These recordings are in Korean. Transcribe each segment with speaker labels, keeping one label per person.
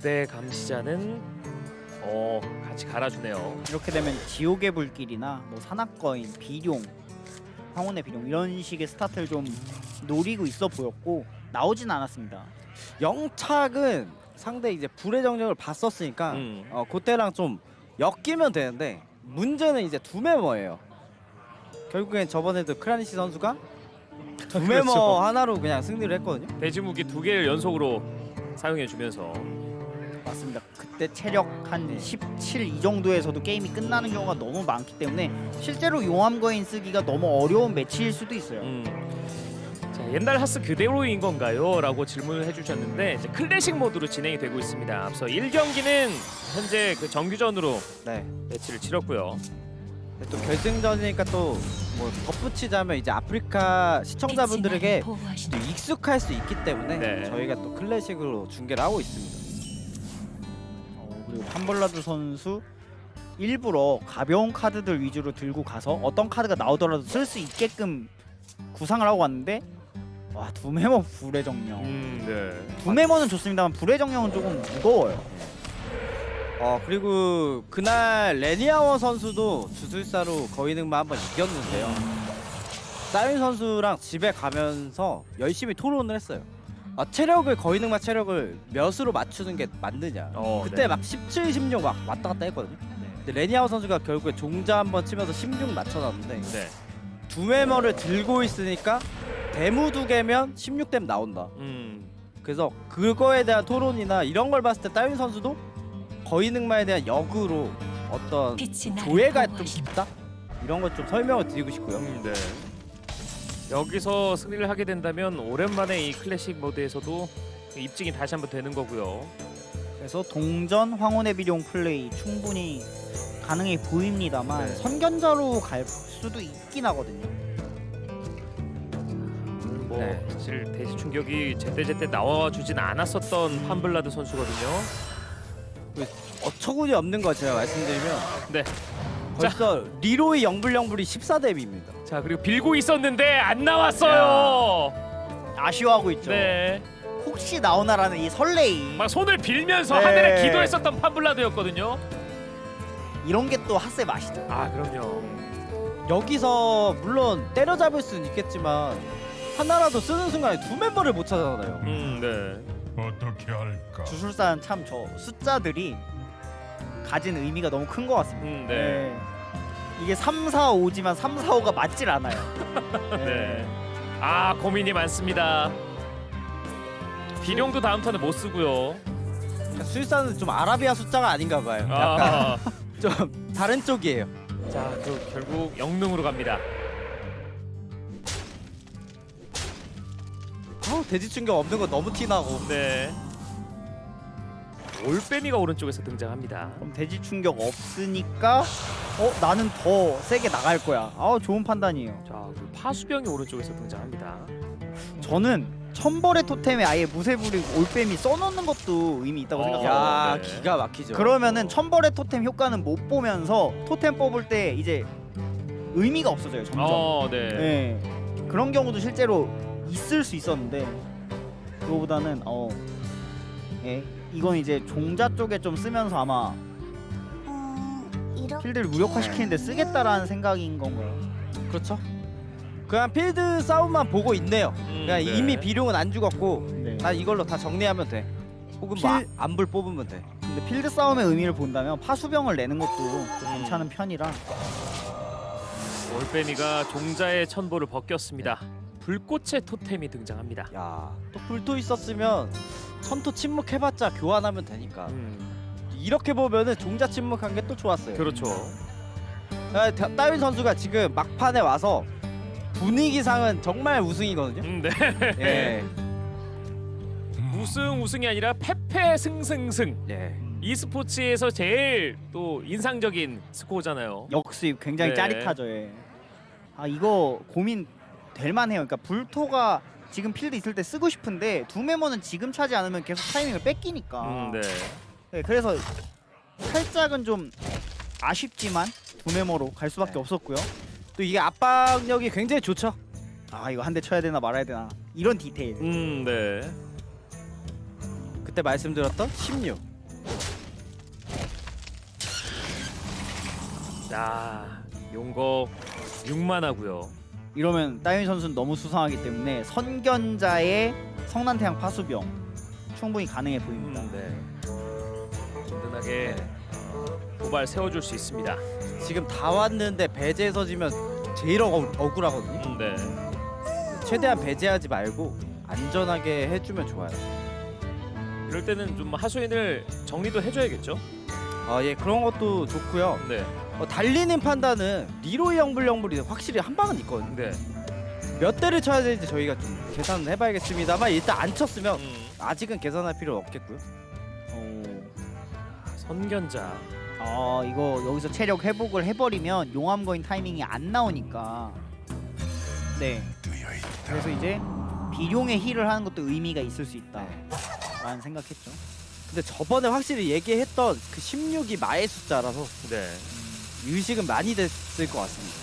Speaker 1: 고대 감시자는 같이 갈아주네요.
Speaker 2: 이렇게 되면 지옥의 불길이나 뭐 산악거인, 비룡, 황혼의 비룡 이런 식의 스타트를 좀 노리고 있어 보였고 나오진 않았습니다.
Speaker 3: 영착은 상대 이제 불의 정령을 봤었으니까 그때랑 좀 엮이면 되는데 문제는 이제 두 메머예요. 결국엔 저번에도 크라니시 선수가 두 메머
Speaker 1: 그렇죠.
Speaker 3: 하나로 그냥 승리를 했거든요.
Speaker 1: 대지무기 2개를 연속으로 사용해주면서
Speaker 2: 맞습니다. 그때 체력 한 17 이 정도에서도 게임이 끝나는 경우가 너무 많기 때문에 실제로 용암거인 쓰기가 너무 어려운 매치일 수도 있어요.
Speaker 1: 자, 옛날 하스 그대로인 건가요? 라고 질문을 해주셨는데 이제 클래식 모드로 진행이 되고 있습니다. 앞서 1경기는 현재 그 정규전으로
Speaker 3: 네.
Speaker 1: 매치를 치렀고요.
Speaker 3: 또 결승전이니까 또 뭐 덧붙이자면 이제 아프리카 시청자분들에게 또 익숙할 수 있기 때문에
Speaker 1: 네.
Speaker 3: 저희가 또 클래식으로 중계를 하고 있습니다.
Speaker 2: 그리고 판벌라드 선수 일부러 가벼운 카드들 위주로 들고 가서 어떤 카드가 나오더라도 쓸 수 있게끔 구상을 하고 왔는데 와 두메머 불의 정령.
Speaker 1: 네.
Speaker 2: 두메머는 좋습니다만 불의 정령은 조금 무거워요.
Speaker 3: 그리고 그날 레니아워 선수도 주술사로 거인응마 한번 이겼는데요. 사윤 선수랑 집에 가면서 열심히 토론을 했어요. 체력을 거인응마 체력을 몇으로 맞추는 게 맞느냐. 그때
Speaker 1: 네.
Speaker 3: 막 17, 16 막 왔다 갔다 했거든요. 근데 레니아워 선수가 결국에 종자 한번 치면서 16 맞춰놨는데
Speaker 1: 네.
Speaker 3: 두 메머를 들고 있으니까 데무 2개면 16댐 나온다. 그래서 그거에 대한 토론이나 이런 걸 봤을 때 따윈 선수도 거인응마에 대한 역으로 어떤 조예가 좀 깊다? 이런 걸 좀 설명을 드리고 싶고요.
Speaker 1: 네. 여기서 승리를 하게 된다면 오랜만에 이 클래식 모드에서도 입증이 다시 한번 되는 거고요.
Speaker 2: 그래서 동전 황혼의 비룡 플레이 충분히 가능해 보입니다만
Speaker 1: 네.
Speaker 2: 선견자로 갈 수도 있긴 하거든요.
Speaker 1: 뭐
Speaker 3: 네.
Speaker 1: 사실 대지 충격이 제때제때 나와주진 않았었던 판블라드 선수거든요.
Speaker 3: 어처구니 없는 거 제가 말씀드리면
Speaker 1: 네.
Speaker 3: 벌써 리로이 영불영불이 14댐입니다.
Speaker 1: 자 그리고 빌고 있었는데 안 나왔어요.
Speaker 2: 아쉬워하고 있죠.
Speaker 1: 네.
Speaker 2: 혹시 나오나라는 이 설레임.
Speaker 1: 막 손을 빌면서
Speaker 2: 네.
Speaker 1: 하늘에 기도했었던 판블라드였거든요.
Speaker 2: 이런 게 또 핫세 맛이죠.
Speaker 1: 아 그럼요.
Speaker 3: 여기서 물론 때려잡을 수는 있겠지만 하나라도 쓰는 순간에 두 멤버를 못 찾아잖아요.
Speaker 1: 네.
Speaker 4: 어떻게 할까?
Speaker 2: 주술사는 참 저 숫자들이 가진 의미가 너무 큰 것 같습니다.
Speaker 1: 네.
Speaker 2: 이게 3, 4, 5지만 3, 4, 5가 맞질 않아요.
Speaker 1: 네. 아 고민이 많습니다. 비룡도 다음 턴에 못 쓰고요.
Speaker 3: 수일사는 좀 아라비아 숫자가 아닌가 봐요. 약간
Speaker 1: 아.
Speaker 3: 좀 다른 쪽이에요.
Speaker 1: 자, 그 결국 영능으로 갑니다.
Speaker 3: 돼지 충격 없는 거 너무 티나고.
Speaker 1: 네. 올빼미가 오른쪽에서 등장합니다.
Speaker 2: 그럼 대지 충격 없으니까 나는 더 세게 나갈 거야. 좋은 판단이에요.
Speaker 1: 자, 그 파수병이 오른쪽에서 등장합니다.
Speaker 2: 저는 천벌의 토템에 아예 무쇠부리 올빼미 써놓는 것도 의미 있다고 생각해요.
Speaker 3: 야,
Speaker 1: 네.
Speaker 3: 기가 막히죠.
Speaker 2: 그러면은 천벌의 토템 효과는 못 보면서 토템 뽑을 때 이제 의미가 없어져요 점점.
Speaker 1: 네.
Speaker 2: 네. 그런 경우도 실제로 있을 수 있었는데 그거보다는 이건 이제 종자 쪽에 좀 쓰면서 아마 필드를 무력화시키는데 쓰겠다라는 생각인 건가요?
Speaker 3: 그렇죠. 그냥 필드 싸움만 보고 있네요. 그냥
Speaker 1: 네.
Speaker 3: 이미 비룡은 안 죽었고
Speaker 2: 네.
Speaker 3: 난 이걸로 다 정리하면 돼. 혹은 뭐 안불 뽑으면 돼.
Speaker 2: 근데 필드 싸움의 의미를 본다면 파수병을 내는 것도 좀 괜찮은 편이라.
Speaker 1: 올빼미가 종자의 천보를 벗겼습니다. 불꽃의 토템이 등장합니다.
Speaker 3: 야, 또 불토 있었으면 천토 침묵해봤자 교환하면 되니까. 이렇게 보면은 종자 침묵한 게 또 좋았어요.
Speaker 1: 그렇죠.
Speaker 3: 따윈 선수가 지금 막판에 와서 분위기상은 정말 우승이거든요.
Speaker 1: 네.
Speaker 3: 예.
Speaker 1: 우승이 아니라 패패 승승승.
Speaker 3: 예.
Speaker 1: e스포츠에서 제일 또 인상적인 스코어잖아요.
Speaker 2: 역수입 굉장히
Speaker 1: 네.
Speaker 2: 짜릿하죠. 예. 이거 고민 될 만해요. 그러니까 불토가 지금 필드 있을 때 쓰고 싶은데 두 메모는 지금 차지 않으면 계속 타이밍을 뺏기니까.
Speaker 1: 네.
Speaker 2: 네, 그래서 살짝은 좀 아쉽지만 두 메모로 갈 수밖에
Speaker 3: 네.
Speaker 2: 없었고요.
Speaker 3: 또 이게 압박력이 굉장히 좋죠.
Speaker 2: 이거 한 대 쳐야 되나 말아야 되나 이런 디테일.
Speaker 1: 네.
Speaker 3: 그때 말씀드렸던 16.
Speaker 1: 용거 6만하고요.
Speaker 2: 이러면 따윤 선수는 너무 수상하기 때문에 선견자의 성난태양 파수병 충분히 가능해 보입니다.
Speaker 1: 네. 든든하게 도발 세워줄 수 있습니다.
Speaker 3: 지금 다 왔는데 배제해서 지면 제일 억울하거든요.
Speaker 1: 네.
Speaker 3: 최대한 배제하지 말고 안전하게 해주면 좋아요.
Speaker 1: 이럴 때는 좀 하수인을 정리도 해줘야겠죠.
Speaker 3: 예, 그런 것도 좋고요.
Speaker 1: 네.
Speaker 3: 달리는 판단은 리로이 영불이 확실히 한 방은 있거든요.
Speaker 1: 네.
Speaker 3: 몇 대를 쳐야 되는지 저희가 좀 계산을 해봐야겠습니다만 일단 안 쳤으면 아직은 계산할 필요 없겠고요.
Speaker 1: 선견자.
Speaker 2: 이거 여기서 체력 회복을 해버리면 용암거인 타이밍이 안 나오니까. 네. 그래서 이제 비룡의 힐을 하는 것도 의미가 있을 수 있다라는 생각했죠.
Speaker 3: 근데 저번에 확실히 얘기했던 그 16이 마의 숫자라서
Speaker 1: 네.
Speaker 3: 유식은 많이 됐을 것 같습니다.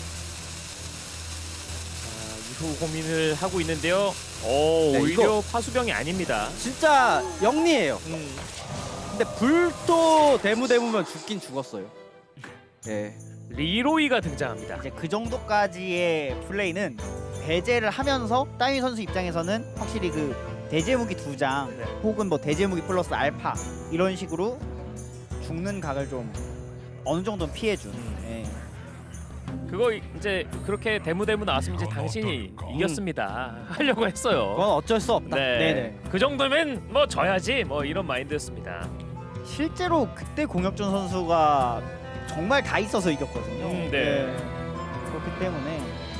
Speaker 1: 이후 고민을 하고 있는데요.
Speaker 3: 네,
Speaker 1: 오히려 파수병이 아닙니다.
Speaker 3: 진짜 영리해요. 근데 불도 대무면 죽긴 죽었어요. 예.
Speaker 1: 리로이가 등장합니다.
Speaker 2: 이제 그 정도까지의 플레이는 배제를 하면서 따윈 선수 입장에서는 확실히 그 대제무기 2장
Speaker 1: 네.
Speaker 2: 혹은 뭐 대제무기 플러스 알파 이런 식으로 죽는 각을 좀 어느 정도는 피해준. 예.
Speaker 1: 그거 이제 그렇게 대무 나왔으면 이제 당신이 이겼습니다. 하려고 했어요.
Speaker 3: 그건 어쩔 수 없다.
Speaker 1: 네.
Speaker 2: 네네.
Speaker 1: 그 정도면 뭐 져야지 뭐 이런 마인드였습니다.
Speaker 2: 실제로 그때 공혁준 선수가 정말 다 있어서 이겼거든요.
Speaker 1: 네.
Speaker 2: 그렇기 때문에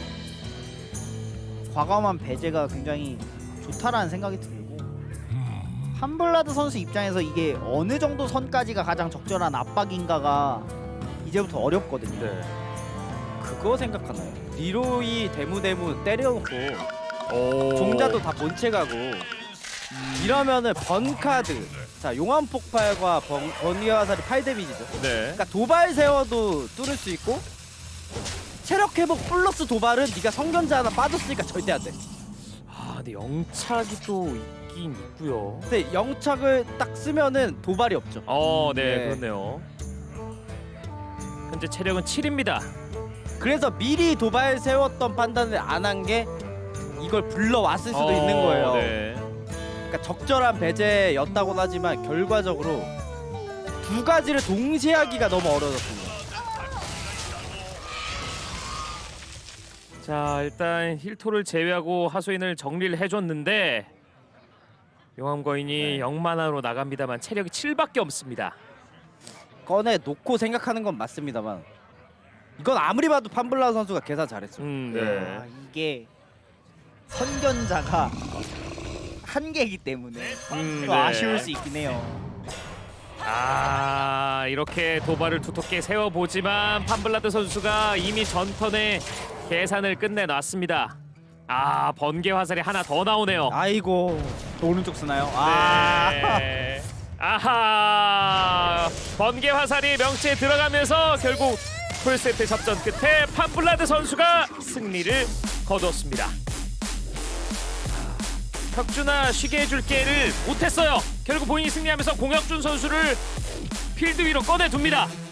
Speaker 2: 과감한 배제가 굉장히 좋다라는 생각이 들고 함블라드 선수 입장에서 이게 어느 정도 선까지가 가장 적절한 압박인가가 이제부터 어렵거든요.
Speaker 1: 네.
Speaker 3: 그거 생각하나요? 리로이 대무 때려놓고
Speaker 1: 오.
Speaker 3: 종자도 다 본체가고 이러면은 번카드 자 용암 폭발과 번개 화살이 8데미지죠.
Speaker 1: 네.
Speaker 3: 그러니까 도발 세워도 뚫을 수 있고 체력 회복 플러스 도발은 네가 성견자 하나 빠졌으니까 절대 안 돼.
Speaker 1: 근데 영착이 또 있긴 있고요.
Speaker 3: 근데 영착을 딱 쓰면은 도발이 없죠.
Speaker 1: 네,
Speaker 3: 네.
Speaker 1: 그렇네요. 현재 체력은 7입니다.
Speaker 3: 그래서 미리 도발 세웠던 판단을 안 한 게 이걸 불러왔을 수도 있는 거예요.
Speaker 1: 네.
Speaker 3: 그러니까 적절한 배제였다고는 하지만 결과적으로 두 가지를 동시에 하기가 너무 어려웠습니다.
Speaker 1: 자, 일단 힐토를 제외하고 하수인을 정리를 해줬는데 용암거인이 0만화로 나갑니다만 체력이 7밖에 없습니다.
Speaker 3: 꺼내 놓고 생각하는 건 맞습니다만 이건 아무리 봐도 판블라 선수가 계산 잘했어요.
Speaker 1: 네.
Speaker 2: 이게 선견자가 한계이기 때문에 또
Speaker 1: 네.
Speaker 2: 아쉬울 수 있긴 해요.
Speaker 1: 이렇게 도발을 두텁게 세워보지만 판블라드 선수가 이미 전턴에 계산을 끝내놨습니다. 번개 화살이 하나 더 나오네요.
Speaker 3: 아이고
Speaker 2: 또 오른쪽 쓰나요?
Speaker 1: 네. 번개 화살이 명치에 들어가면서 결국 풀세트 접전 끝에 판블라드 선수가 승리를 거뒀습니다. 혁준아 쉬게 해줄게를 못했어요. 결국 본인이 승리하면서 공혁준 선수를 필드 위로 꺼내둡니다.